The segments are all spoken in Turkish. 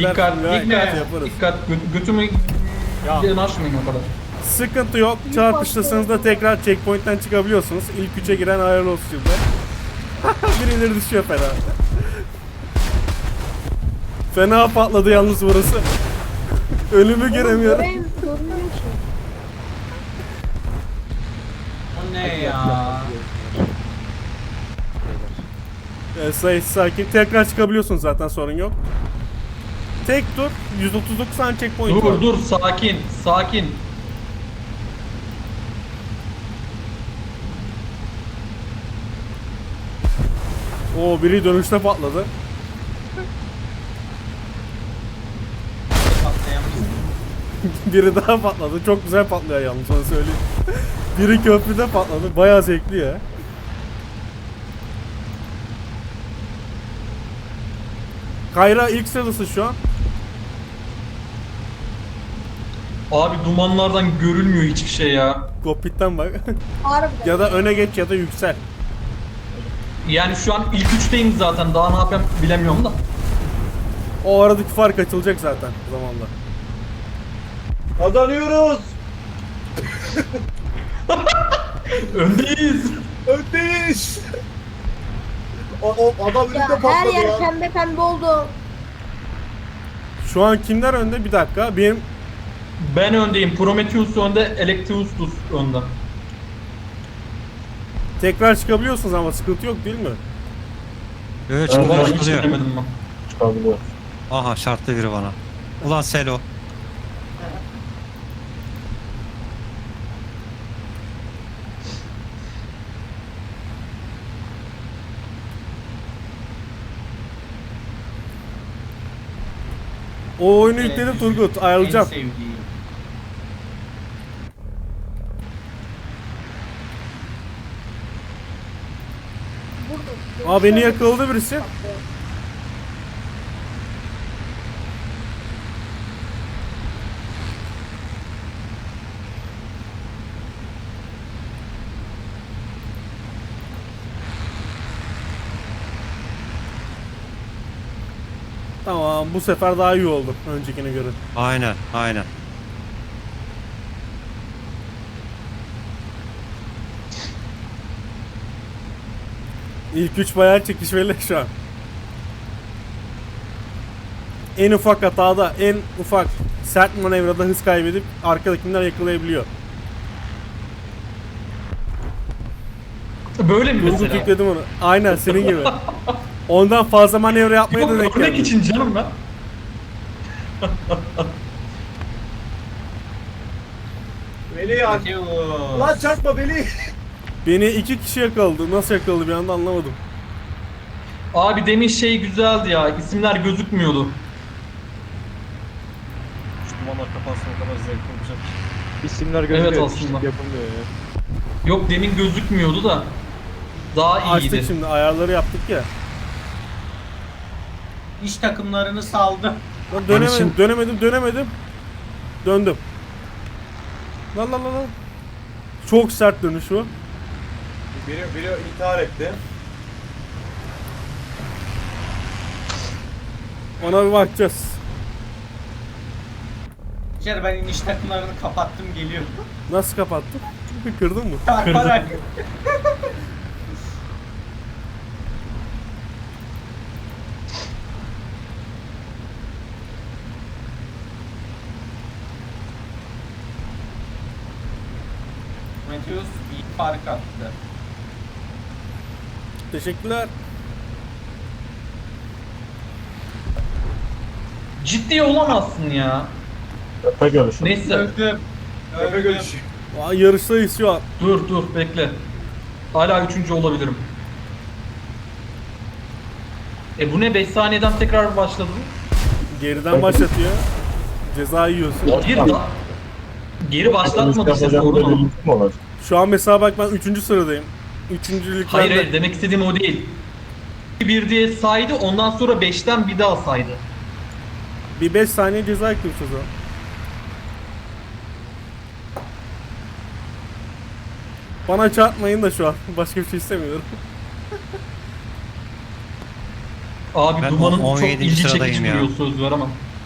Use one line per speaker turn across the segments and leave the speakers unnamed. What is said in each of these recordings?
Dikkat, dikkat,
yaparız.
dikkat. Götümü açmayın o kadar.
Sıkıntı yok. Çarpıştırsanız da tekrar checkpoint'ten çıkabiliyorsunuz. İlk 3'e giren hayırlı olsun şimdi. Birileri düşüyor fena. Fena patladı yalnız burası. Ölümü göremiyorum.
Ben görmüyor ki.
O ne ya?
Sakin. Tekrar çıkabiliyorsun zaten, sorun yok. Tek tur 139 tane checkpoint var.
Dur, sakin, sakin.
Oo, biri dönüşte patladı.
Patlayamayız.
Biri daha patladı. Çok güzel patlıyor yalnız, onu söyleyeyim. Biri köprüde patladı. Bayağı zevkli ya. Kayra ilk sırası şu an.
Abi dumanlardan görülmüyor hiçbir şey ya.
Kokpitten bak.
Harbiden.
Ya da öne geç ya da yüksel.
Yani şu an ilk üçteyim zaten. Daha ne yapayım bilemiyorum da.
O aradaki fark açılacak zaten zamanla.
Kazanıyoruz.
Öndeyiz.
Öndeyiz. O adam önünde
Ya her
patladı
yer
ya.
pembe pembe oldu.
Şu an kimler önde? Bir dakika. Benim
Ben öndeyim. Prometheus önde, Electrous'tus önde.
tekrar çıkabiliyorsunuz ama sıkıntı yok değil mi?
Evet,
Evet,
Ben hiç
çıkıyor.
denemedim ben.
Çıkabiliyor.
Aha, şartlı biri bana. Ulan Selo.
O oyunu yükledim Turgut. Ayarlayacağım.
En sevdiğim.
Burada.
Aa, beni yakaladı birisi. Tamam, bu sefer daha iyi oldu öncekine göre.
Aynen, aynen.
İlk 3 bayağı çekişmeli şu an. En ufak hatada, en ufak sert manevrada hız kaybedip arkadakiler yakalayabiliyor.
Böyle mi
Turgut
mesela?
yükledim onu. Aynen senin gibi. Ondan fazla manevra yapmaya da denk
Örnek
geldi.
için canım ben.
Veli ya. Lan çarpma Veli.
Beni 2 kişi yakaladı. Nasıl yakaladı bir anda anlamadım.
Abi demin şey güzeldi ya. İsimler gözükmüyordu.
Şu dumanlar kapansın, o kadar zevkli olacak.
İsimler gözüküyor.
Evet,
işte
aslında.
yapılmıyor ya.
Yok demin gözükmüyordu da. Daha iyiydi.
Açtık şimdi, ayarları yaptık ya.
İş takımlarını saldı.
Lan dönemedim,
Barış'ın-
dönemedim. Döndüm. Lan. Çok sert dönüş bu.
Biri intihar etti.
Ona bir bakacağız.
İçeri ben iniş takımlarını kapattım, geliyorum.
Nasıl kapattın? Kırdın mı?
Çarparak. Prometheus iyi fark attı.
Teşekkürler.
Ciddi olamazsın ya.
Tepe görüşü.
Neyse.
Öldüm.
Tepe görüşü.
Vay, yarıştayız şu an.
Dur bekle. Hala üçüncü olabilirim. Bu ne 5 saniyeden tekrar başladı?
Geriden başlatıyor. Ceza yiyorsun.
Geri başlatmadı işte sorun o.
Şu an mesela bak, ben 3. sıradayım. 3.
Hayır demek istediğim o değil. Bir diye saydı, ondan sonra 5'ten bir daha saydı.
Bir 5 saniye ceza ekliyoruz o zaman. Bana çarpmayın da şu an. Başka bir şey istemiyorum.
Abi
Ben
dumanın çok
17.
ilgi
sıradayım
çekici
ya.
duruyor, söz ver ama.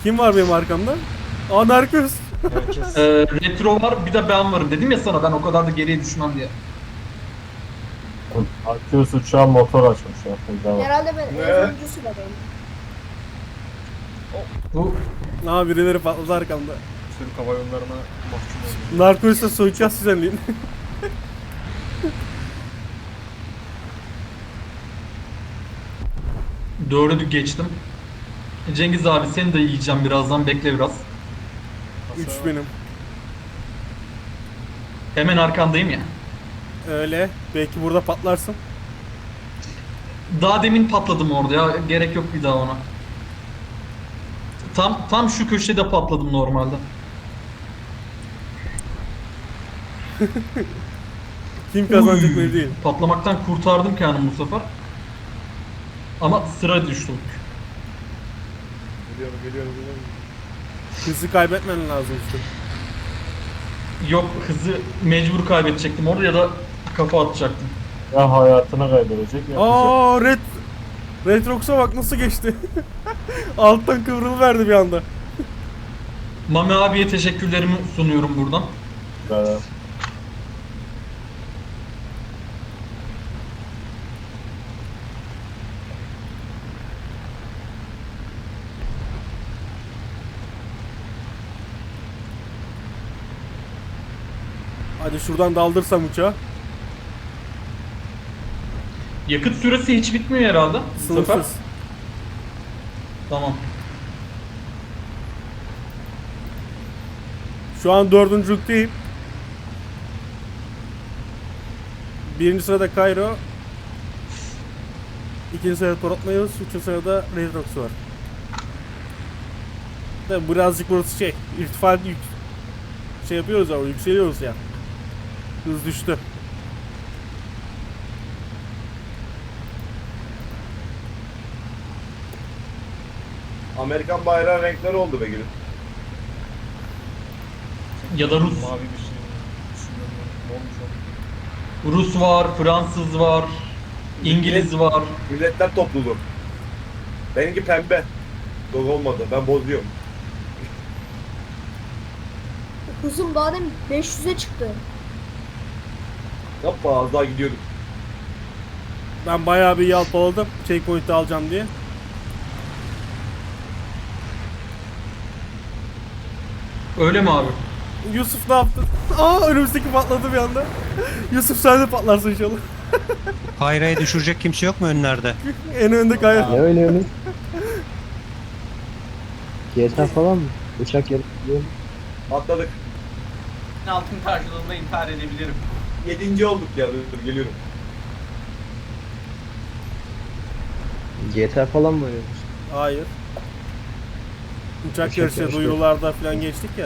Kim var benim arkamda? Aa Narcos.
Herkes.
Retro var, bir de ben varım. Dedim ya sana ben o kadar da geriye düşmem diye.
Akıyoruz uçağın motor açmış ya. Devam.
Herhalde ben
Ne?
en sonuncu sıradayım.
Bu
Aa birileri patladı arkamda.
Türk Hava Yolları'na mahkum oldu.
Narcos'la soyacağız düzenleyin.
dördü geçtim. Cengiz abi seni de yiyeceğim birazdan, bekle biraz.
3 benim.
Hemen arkandayım ya.
Öyle. Belki burada patlarsın.
Daha demin patladım orada ya, gerek yok bir daha ona. Tam şu köşede patladım normalde.
Kim kazanacak belli değil.
Patlamaktan kurtardım kendimi bu sefer. Ama sıra düştüm.
Geliyorum.
Hızı kaybetmen lazım işte.
Yok, hızı mecbur kaybedecektim orada ya da kafa atacaktım.
Ya hayatını kaybedecek ya.
Aa Retrox'a bak nasıl geçti. Alttan kıvrılıverdi bir anda.
Mami abiye teşekkürlerimi sunuyorum buradan.
Güzel.
Hadi şuradan daldırsam uçağı.
Yakıt süresi hiç bitmiyor herhalde. Bu sefer.
Sınırsız.
Tamam.
Şu an 4.lükteyim. Birinci sırada Cairo. İkinci sırada Torotmayos. Üçüncü sırada Redrox var. Tabi birazcık burası irtifa şey yapıyoruz ama yükseliyoruz ya. Hız düştü.
Amerikan bayrağı renkleri oldu be gülüm.
Ya da Rus.
Mavi bir şey. Düşünüyorum. Ne olmuş o?
Rus var, Fransız var, İngiliz var.
Milletler topluluğu. Benimki pembe. Dog olmadı. Ben bozuyorum.
Hızım daha demin 500'e çıktı.
Yapma az daha gidiyorduk.
Ben bayağı bir yalpaladım. Checkpoint'i alacağım diye.
Öyle mi abi?
Yusuf ne yaptı? Aa önümüzdeki patladı bir anda. Yusuf sen de patlarsın inşallah.
Kayra'yı düşürecek kimse yok mu önlerde?
En önde kayar.
Ne oynuyorsunuz? GTA falan mı? Uçak yarışı.
Atladık.
Altın karşılığında intihar edebilirim.
7. olduk ya. Dur geliyorum.
GTA falan mı oynuyorsunuz?
Hayır. Uçak
Uçak
yarışı
yarışı.
duyurularda falan geçtik ya.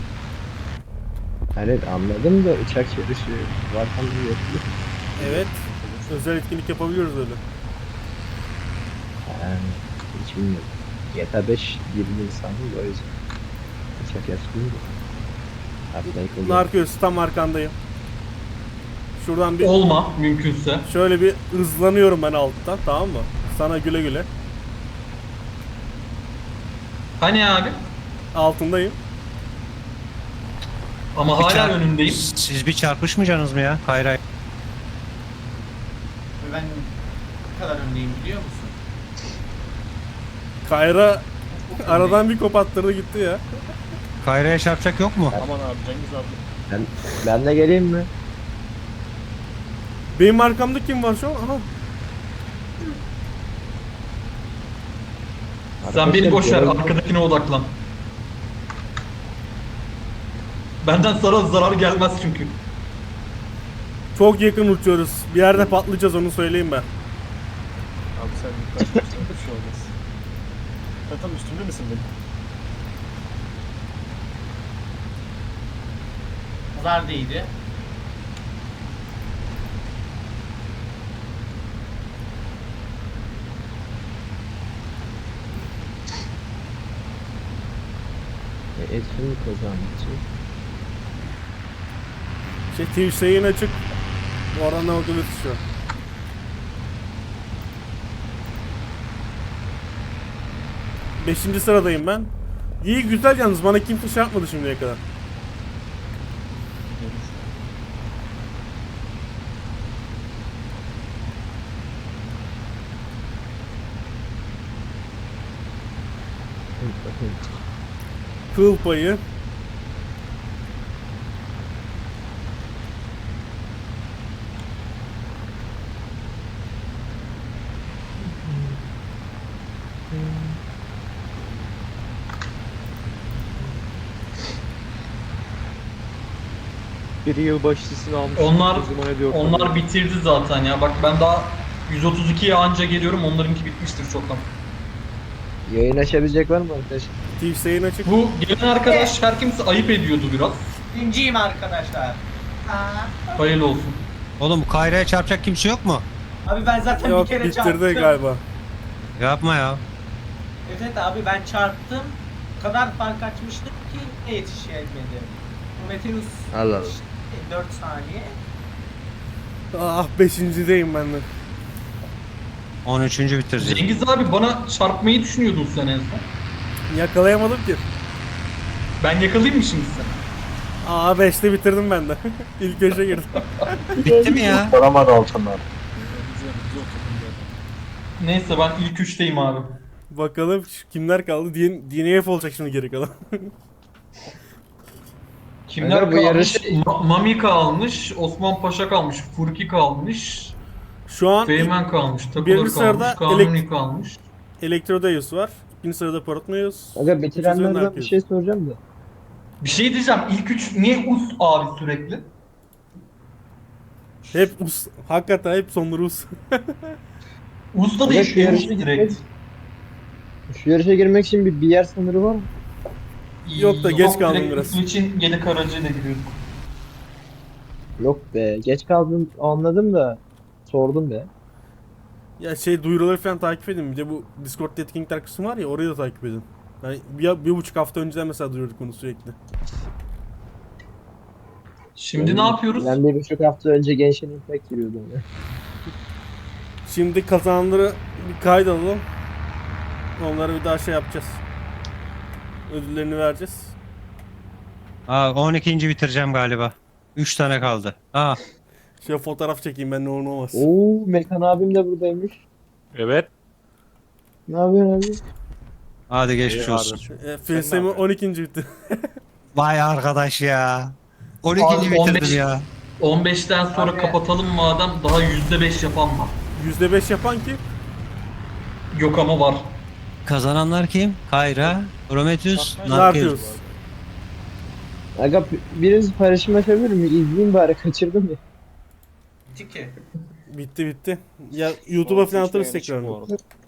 Evet anladım da uçak yarışı var falan yok.
Evet. Özel etkinlik yapabiliyoruz öyle.
Yani hiç bilmiyorum. GTA 5 20 insanım da o yüzden. Uçak yarışı değil mi? Atlayıp oluyor.
Narcos tam arkandayım. Şuradan bir
Olma mümkünse.
şöyle bir hızlanıyorum ben alttan, tamam mı? Sana güle güle.
Hani abi?
Altındayım.
Ama
Bir
hala
çarp-
önündeyim.
Siz bir çarpışmayacaksınız mı ya Kayra?
Ve ben ne kadar öndeyim biliyor musun?
Kayra aradan bir kopattırdı gitti ya.
Kayra'ya çarpacak yok mu?
Aman abi Cengiz abi.
Ben de geleyim mi?
Benim arkamda kim var şu an? Aha.
Sen beni boş ver,
Arkadaşlar,
arkadakine odaklan. Benden sana zarar gelmez çünkü.
Çok yakın uçuyoruz. Bir yerde patlayacağız, onu söyleyeyim ben.
Abi sen yukarı çıksana bir şey olmaz. Sen tam üstümde misin benim?
Pazar değildi.
Etkinlik kazanmak için.
Twitch yayın açık. Bu arada orada şu an. Beşinci sıradayım ben. İyi güzel yalnız bana kimse çarpmadı şimdiye kadar. Kıl payı.
Biri yılbaşısını almış.
Onlar
o zaman ediyor.
onlar bitirdi zaten ya. Bak ben daha 132'ye anca geliyorum. Onlarınki bitmiştir çoktan.
Yayın açabilecek var mı arkadaş?
Twitch yayın açık.
Bu gelen arkadaş her kimse ayıp ediyordu biraz.
Birinciyim arkadaşlar.
Hayırlı olsun.
Oğlum Kayra'ya çarpacak kimse yok mu?
Abi ben zaten
Yok
bir kere
bitirdi
çarptım.
galiba.
Yapma ya.
Evet abi ben çarptım. O kadar fark açmıştım ki ne yetişemedim. Prometheus
Allah Allah.
4 saniye.
Ah 5.'deyim ben de.
13. bitireceğiz.
Cengiz abi bana çarpmayı düşünüyordun sen en son.
Yakalayamadım ki.
Ben yakalayayım mı şimdi seni?
Aa 5'te bitirdim ben de. İlk köşe girdim.
Bitti mi ya?
Saramadı altınlar.
Neyse ben ilk 3'teyim abi.
Bakalım kimler kaldı? DNF olacak şimdi geri kalan.
Kimler
Aga, bu
kalmış?
yarışı-
Mami kalmış, Osman Paşa kalmış, Furki kalmış,
Şu an
Feymen kalmış, Takılır
birinci
kalmış,
sırada
Kanuni kalmış.
Elektrodeus var. İkinci sırada Porotmeus.
Aga bitirenlerden bir şey soracağım da.
Bir şey diyeceğim, ilk 3 niye us abi sürekli?
Hep us. Hakikaten hep sonları us.
Us'ta da
Aga,
ilk
şu yarışa
us direkt.
Şu yarışa girmek için bir yer sınırı var mı?
Yok da geç kaldım
direkt
biraz.
Us için Gedek aracıyla giriyorduk.
Yok be. Geç kaldım anladım da. Sordum be.
Ya şey duyuruları falan takip edin. Bir de bu Discord etkinlikler kısmı var ya orayı da takip edin. Yani bir buçuk hafta önceden mesela duyurduk bunu sürekli.
Şimdi ne yapıyoruz?
Ben 1,5 hafta önce Genshin Impact giriyordum ya.
Şimdi kazananları bir kaydedalım. Onlara bir daha şey yapacağız. Ödüllerini vereceğiz.
Aa 12. bitireceğim galiba. 3 tane kaldı. Aa
Şöyle fotoğraf çekeyim ben ne olur ne olmaz.
Oo, Mekan abim de buradaymış.
Evet.
Ne yapıyorsun abi?
hadi geçmiş olsun.
Filsemi 12. bitti.
Vay arkadaş ya. 12.
Abi,
bitirdim
15.
ya.
15'ten sonra
Abi.
kapatalım madem daha %5 yapan var.
%5 yapan kim?
Yok ama var.
Kazananlar kim? Kayra, Prometheus, Narkius.
Nardius.
Aga biriniz paylaşım yapabilir mi? İzleyeyim bari kaçırdım ya.
Tiki.
Bitti bitti. Ya YouTube'a falan atarız tekrar.
Bu arada.